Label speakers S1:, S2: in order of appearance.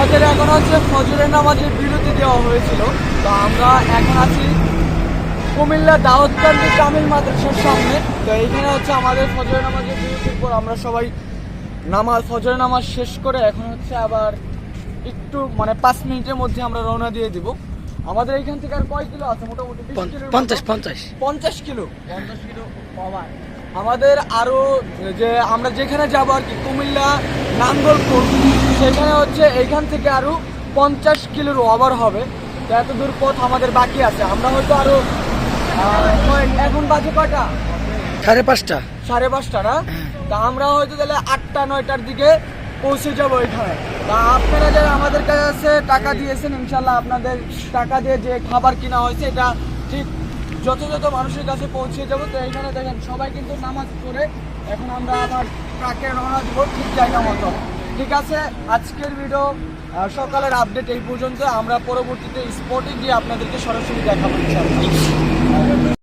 S1: আমাদের এখন হচ্ছে ফজরের নামাজের বিরতি দেওয়া হয়েছিল। তো আমরা এখন আছি কুমিল্লা দাউদকান্দি কামিল মাদ্রাসার সামনে। তো এইখানে হচ্ছে আমাদের ফজরের নামাজের বিরতির পর আমরা সবাই ফজরের নামাজ শেষ করে এখন হচ্ছে আবার একটু 5 মিনিটের মধ্যে আমরা রওনা দিয়ে দিব। আমাদের এইখান থেকে আর কয় কিলো আছে? মোটামুটি 50 কিলো। আমাদের আরো যে আমরা যেখানে যাবো আর কি কুমিল্লা নাঙ্গলপুর, সেখানে হচ্ছে এইখান থেকে আরো 50 কিলোর ওভার হবে। তো এত দূর পথ আমাদের বাকি আছে। আমরা হয়তো আরো এখন বাজে কয়টা?
S2: 5:30।
S1: 5:30 না? তা আমরা হয়তো তাহলে 8টা-9টার দিকে পৌঁছে যাবো এখানে। তা আপনারা যারা আমাদের কাছে টাকা দিয়েছেন, ইনশাল্লাহ আপনাদের টাকা দিয়ে যে খাবার কিনা হয়েছে এটা ঠিক যথাযথ মানুষের কাছে পৌঁছে যাবো। তো এইখানে দেখেন সবাই কিন্তু নামাজ পড়ে এখন আমরা আবার ট্রাকে রওনা দিব ঠিক জায়গা মতো। ঠিক আছে, আজকের ভিডিও সকালের আপডেট এই পর্যন্ত। আমরা পরবর্তীতে স্পটে গিয়ে আপনাদেরকে সরাসরি দেখাবো ইনশাল্লাহ।